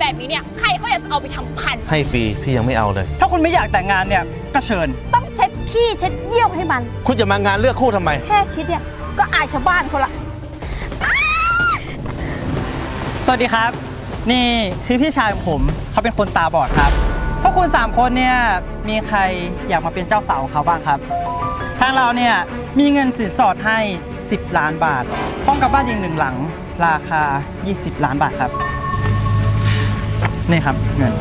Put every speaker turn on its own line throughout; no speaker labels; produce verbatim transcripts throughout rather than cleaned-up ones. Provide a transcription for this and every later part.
แบบนี้เนี่ยใครเขาอยากจะเอาไปทำพันธุ์
ให้ฟรีพี่ยังไม่เอาเลย
ถ้าคุณไม่อยากแต่งงานเนี่ยก็เชิญ
ต้องเช็ดขี้เช็ดเยี่ยวให้มัน
คุณจะมางานเลือกคู่ทำไม
แค่คิดเนี่ยก็อายชาวบ้านเขาละ
สวัสดีครับนี่คือพี่ชายของผมเขาเป็นคนตาบอดครับพวกคุณสามคนเนี่ยมีใครอยากมาเป็นเจ้าสาวของเขาบ้างครับทางเราเนี่ยมีเงินสินสอดให้สิบล้านบาทพร้อมกับบ้านอีกหนึ่งหลังราคายี่สิบล้านบาทครับนี่ครับเงิน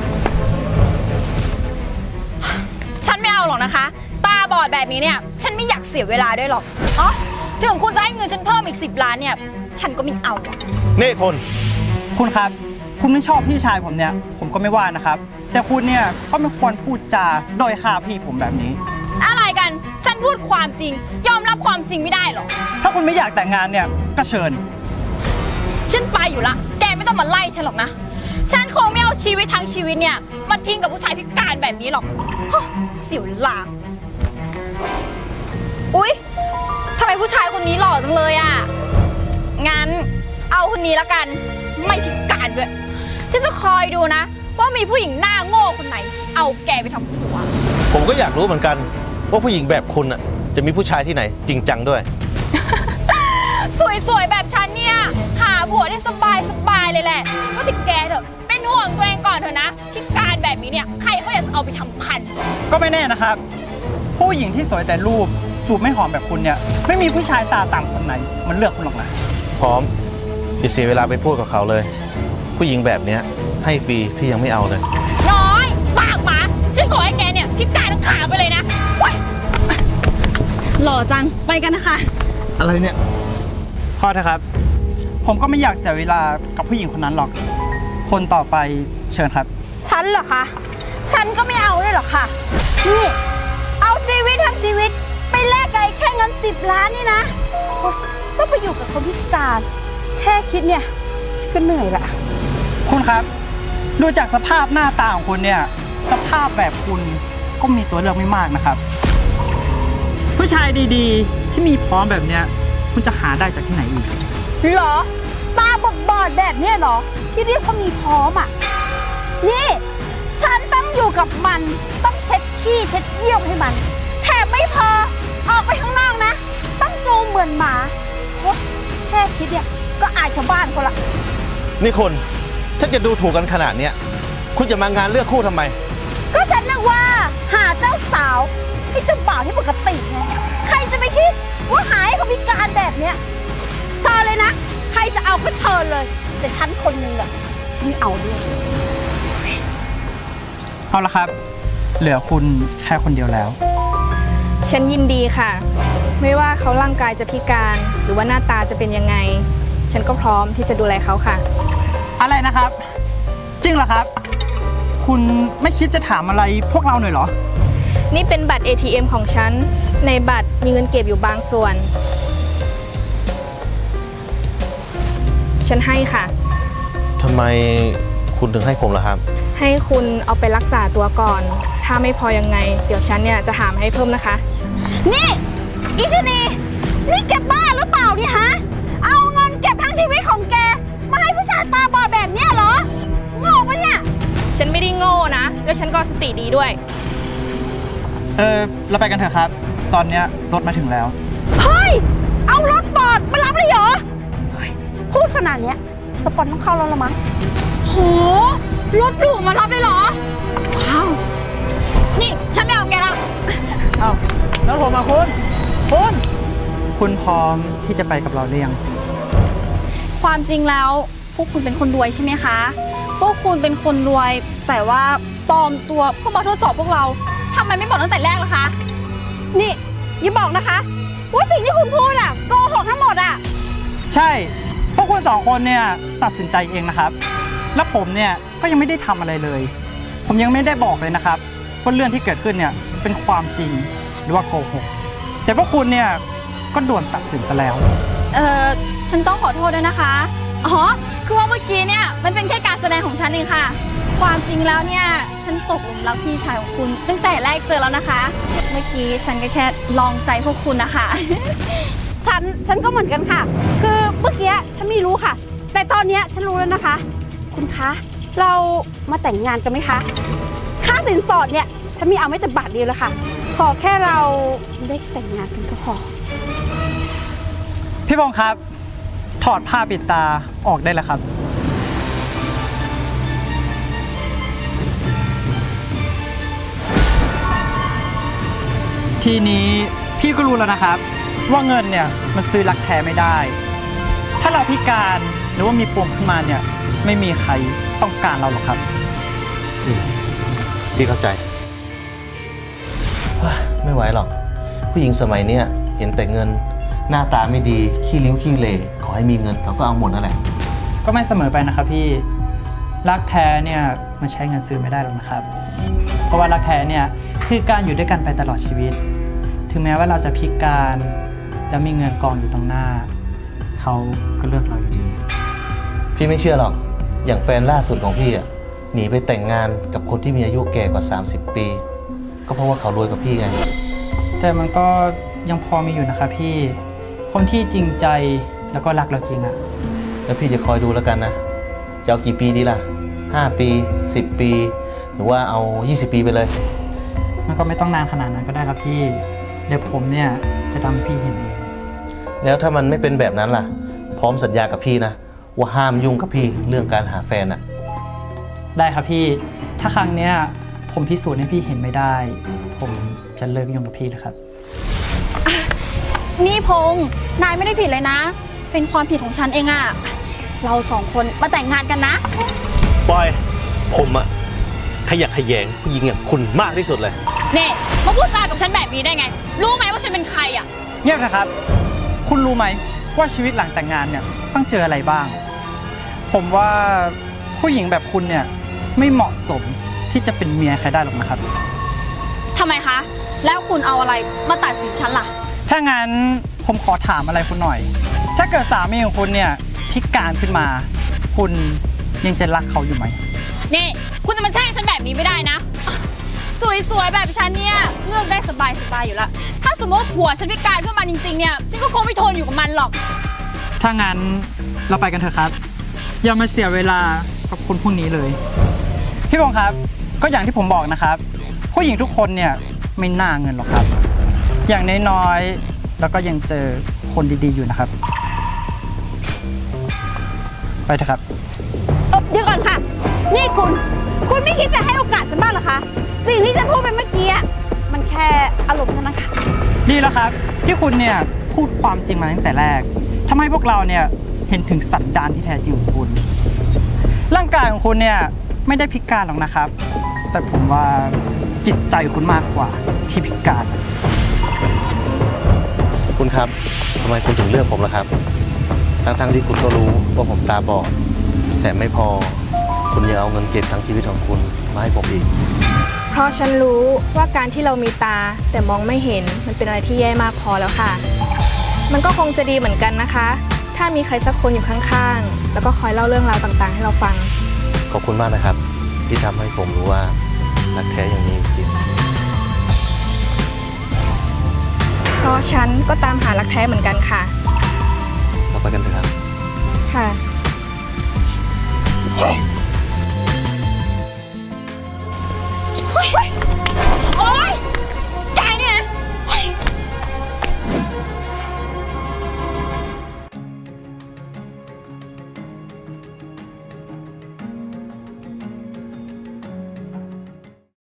ฉันไม่เอาหรอกนะคะตาบอดแบบนี้เนี่ยฉันไม่อยากเสียเวลาด้วยหรอกอ๋อถึงคุณจะให้เงินฉันเพิ่มอีกสิบล้านเนี่ยฉันก็ไม่เอา
นี่คน
คุณครับคุณไม่ชอบพี่ชายผมเนี่ยผมก็ไม่ว่านะครับแต่คุณเนี่ยก็ไม่ควรพูดจาโดยค่าพี่ผมแบบนี้
อะไรกันฉันพูดความจริงยอมรับความจริงไม่ได้หรอ
ถ้าคุณไม่อยากแต่งงานเนี่ยก็เชิญ
ฉันไปอยู่ละแกไม่ต้องมาไล่ฉันหรอกนะฉันคงไม่เอาชีวิตทั้งชีวิตเนี่ยมาทิ้งกับผู้ชายพิการแบบนี้หรอกเสียเวลาอุ๊ยทำไมผู้ชายคนนี้หล่อจังเลยอ่ะงั้นเอาคนนี้ละกันไม่พิการด้วยฉันจะคอยดูนะว่ามีผู้หญิงหน้าโง่คนไหนเอาแกไปทำผัว
ผมก็อยากรู้เหมือนกันว่าผู้หญิงแบบคุณอ่ะจะมีผู้ชายที่ไหนจริงจังด้วย
สวยๆแบบฉันเนี่ยหาผัวได้สบายสบายเลยแหละก็ติดแกเถอะเป็นห่วงตัวเองก่อนเถอะนะพิการแบบนี้เนี่ยใครเขาอยากจะเอาไปทำพันธุ์
ก็ไม่แน่นะครับผู้หญิงที่สวยแต่รูปจูบไม่หอมแบบคุณเนี่ยไม่มีผู้ชายตาต่ำคนไหนมันเลือกคุณหรอกนะ
พร้อมอย่าเสียเวลาไปพูดกับเขาเลยผู้หญิงแบบเนี้ยให้ฟรีพี่ยังไม่เอาเลย
น้อยปากหมาฉันขอให้แกเนี่ยพิการทั้งขาไปเลยนะหล่อจังไปกันนะคะ
อะไรเนี่ย
พอเถอะครับผมก็ไม่อยากเสียเวลากับผู้หญิงคนนั้นหรอกคนต่อไปเชิญครับ
ฉันเหรอคะฉันก็ไม่เอาด้วยหรอกค่ะนี่เอาชีวิตทั้งชีวิตไปแลกกับแค่เงินสิบล้านนี่นะต้องไปอยู่กับคนพิการแค่คิดเนี่ยฉันก็เหนื่อยละ
คุณครับดูจากสภาพหน้าตาของคุณเนี่ยสภาพแบบคุณก็มีตัวเลือกไม่มากนะครับผู้ชายดีๆที่มีพร้อมแบบเนี้ยคุณจะหาได้จากที่ไหนอีก
หรอตาบอดบอดแบบเนี้ยหรอที่เรียกว่ามีพร้อมอ่ะนี่ฉันต้องอยู่กับมันต้องเช็ดขี้เช็ดเยี่ยวให้มันแถมไม่พอออกไปข้างนอกนะต้องจูงเหมือนหมาแค่คิดเนี่ยก็อายชาวบ้านเขาละ
นี่คุณถ้าจะดูถูกกันขนาดเนี้ยคุณจะมางานเลือกคู่ทำไม
ก็ฉันนึกว่าหาเจ้าสาวให้เจ้าบ่าวที่ปกติไงใครจะไปคิดว่าหาให้เขาพิการแบบเนี้ยเชิญเลยนะใครจะเอาก็เชิญเลยแต่ฉันคนนึงแหละฉันไม่เอาด้วย
เอาละครับเหลือคุณแค่คนเดียวแล้ว
ฉันยินดีค่ะไม่ว่าเขาร่างกายจะพิการหรือว่าหน้าตาจะเป็นยังไงฉันก็พร้อมที่จะดูแลเขาค่ะ
อะไรนะครับจริงเหรอครับคุณไม่คิดจะถามอะไรพวกเราหน่อยเหรอ
นี่เป็นบัตร เอ ที เอ็ม ของฉันในบัตรมีเงินเก็บอยู่บางส่วนฉันให้ค่ะ
ทำไมคุณถึงให้ผมล่ะครับ
ให้คุณเอาไปรักษาตัวก่อนถ้าไม่พอยังไงเดี๋ยวฉันเนี่ยจะหามาให้เพิ่มนะคะ
นี่อิชนีนี่แกบ้าหรือเปล่าเนี่ยฮะเอาเงินเก็บทั้งชีวิตของแกมาให้ผู้ชายตาบอดแบบเนี้ยเหรอโง่ปะเนี่ย
ฉันไม่ได้โง่นะแล้วฉันก็สติดีด้วย
เออเราไปกันเถอะครับตอนเนี้ยรถมาถึงแล้ว
เฮ้ยเอารถบอดมารับเลยเหรอพูดขนาดเนี้ยสปอนต้องเข้าแล้วละมั้ง
โหรถหรูมารับเลยเหรอว้าวนี่ฉันไม่เอาแกแล้ว
เอ้าแล้วผมมาคุณคุณคุณพร้อมที่จะไปกับเราหรือยัง
ความจริงแล้วพวกคุณเป็นคนรวยใช่ไหมคะพวกคุณเป็นคนรวยแต่ว่าปลอมตัวเพื่อมาทดสอบพวกเราทำไมไม่บอกตั้งแต่แรกล่ะคะ
นี่อย่าบอกนะคะว่าสิ่งที่คุณพูดอะโกหกทั้งหมดอะ
ใช่พวกคุณสองคนเนี่ยตัดสินใจเองนะครับแล้วผมเนี่ยก็ยังไม่ได้ทำอะไรเลยผมยังไม่ได้บอกเลยนะครับว่าเรื่องที่เกิดขึ้นเนี่ยเป็นความจริงหรือว่าโกหกแต่พวกคุณเนี่ยก็ด่วนตัดสินซะแล้ว
เออฉันต้องขอโทษด้วยนะคะอ๋อคือว่าเมื่อกี้เนี่ยมันเป็นแค่การแสดงของฉันเองค่ะความจริงแล้วเนี่ยฉันตกหลุมรักพี่ชายของคุณตั้งแต่แรกเจอแล้วนะคะเมื่อกี้ฉันก็แค่ลองใจพวกคุณนะคะ
ฉันฉันก็เหมือนกันค่ะคือเมื่อกี้ฉันไม่รู้ค่ะแต่ตอนนี้ฉันรู้แล้วนะคะคุณคะเรามาแต่งงานกันไหมคะ ค่าสินสอดเนี่ย ฉันไม่เอาไม่แต่บาทเดียวแล้วค่ะ ขอแค่เราได้แต่งงานกันก็พอ
พี่พงษ์ครับ ถอดผ้าปิดตาออกได้แล้วครับ ทีนี้พี่ก็รู้แล้วนะครับ ว่าเงินเนี่ยมันซื้อรักแท้ไม่ได้ ถ้าเราพิการหรือว่ามีปมขึ้นมาเนี่ยไม่มีใครต้องการเราหรอกครับ
พี่เข้าใจเฮ้ยไม่ไหวหรอก ผู้หญิงสมัยเนี้ยเห็นแต่เงินหน้าตาไม่ดีขี้ริ้วขี้เหร่ขอให้มีเงินเขาก็เอาหมดนั่นแหละ
ก็ไม่เสมอไปนะครับพี่รักแท้เนี่ยมันใช้เงินซื้อไม่ได้หรอกนะครับ เพราะว่ารักแท้เนี่ยคือการอยู่ด้วยกันไปตลอดชีวิต ถึงแม้ว่าเราจะพิการแล้วมีเงินกองอยู่ตรงหน้าเขาก็เลือกเราอยู่ดี
พี่ไม่เชื่อหรอก อย่างแฟนล่าสุดของพี่อ่ะหนีไปแต่งงานกับคนที่มีอายุแก่กว่าสามสิบปี ก็เพราะว่าเขารวยกว่าพี่ไง
แต่มันก็ยังพอมีอยู่นะครับพี่คนที่จริงใจแล้วก็รักเราจริงอะ
แล้วพี่จะคอยดูแล้วกันนะ จะเอากี่ปีดีล่ะห้าปีสิบปี หรือว่าเอายี่สิบปีไปเลย
มันก็ไม่ต้องนานขนาดนั้นก็ได้ครับพี่เดี๋ยวผมเนี่ยจะทำให้พี่เห็นเอง
แล้วถ้ามันไม่เป็นแบบนั้นล่ะ พร้อมสัญญากับพี่นะว่าห้ามยุ่งกับพี่เรื่องการหาแฟนอ่ะ
ได้ครับพี่ถ้าครั้งเนี้ยผมพิสูจน์ให้พี่เห็นไม่ได้ ผมจะเลิกยุ่งกับพี่เลยครับ
นี่พงษ์นายไม่ได้ผิดเลยนะ เป็นความผิดของฉันเองอะเราสองคนมาแต่งงานกันนะ
ปอย ผมอะขยักขยงผู้หญิงอย่างคุณมากที่สุดเลย
เน่มาพูดจากับฉันแบบนี้ได้ไง รู้ไหมว่าฉันเป็นใครอะ
เงียบนะครับ คุณรู้ไหมว่าชีวิตหลังแต่งงานเนี่ยต้องเจออะไรบ้าง ผมว่าผู้หญิงแบบคุณเนี่ยไม่เหมาะสมที่จะเป็นเมียใครได้หรอกนะครับ
ทำไมคะ แล้วคุณเอาอะไรมาตัดสินฉันล่ะ
ถ้างั้นผมขอถามอะไรคุณหน่อย ถ้าเกิดสามีของคุณเนี่ยพิการขึ้นมา คุณยังจะรักเขาอยู่ไหม
นี่คุณจะมาแช่งฉันแบบนี้ไม่ได้นะ สวยๆแบบฉันเนี่ยเลือกได้สบายๆอยู่แล้ว ถ้าสมมติผัวฉันพิการขึ้นมาจริงๆเนี่ยฉันก็คงไม่ทนอยู่กับมันหรอก
ถ้างั้นเราไปกันเถอะครับ อย่ามาเสียเวลากับคนพวกนี้เลย พี่บงครับก็อย่างที่ผมบอกนะครับ ผู้หญิงทุกคนเนี่ยไม่น่าเงินหรอกครับ อย่างน้อยๆแล้วก็ยังเจอคนดีๆอยู่นะครับ ไปเถอะครับ
เอ่อเดี๋ยวก่อนค่ะ นี่คุณ คุณไม่คิดจะให้โอกาสฉันบ้างเหรอคะ สิ่งที่ฉันพูดไปเมื่อกี้อะมันแค่อารมณ์เท่านั้นค่ะ
ดีแล้วครับที่คุณเนี่ยพูดความจริงมาตั้งแต่แรกทำให้พวกเราเนี่ยเห็นถึงสันดานที่แท้จริงของคุณ ร่างกายของคุณเนี่ยไม่ได้พิการหรอกนะครับ แต่ผมว่าจิตใจคุณมากกว่าที่พิการ
คุณครับทำไมคุณถึงเลือกผมล่ะครับ ทั้งๆที่คุณก็รู้ว่าผมตาบอด แต่ไม่พอ คุณยังเอาเงินเก็บทั้งชีวิตของคุณมาให้ผมอีก
เพราะฉันรู้ว่าการที่เรามีตาแต่มองไม่เห็นมันเป็นอะไรที่แย่มากพอแล้วค่ะ มันก็คงจะดีเหมือนกันนะคะ ถ้ามีใครสักคนอยู่ข้างๆแล้วก็คอยเล่าเรื่องราวต่างๆ ให้เราฟัง
ขอบคุณมากนะครับ ที่ทำให้ผมรู้ว่ารักแท้อย่างนี้จริง
เพราะฉันก็ตามหารักแท้เหมือนกันค่ะ
เราไปกันเถอะครับ
ค่ะ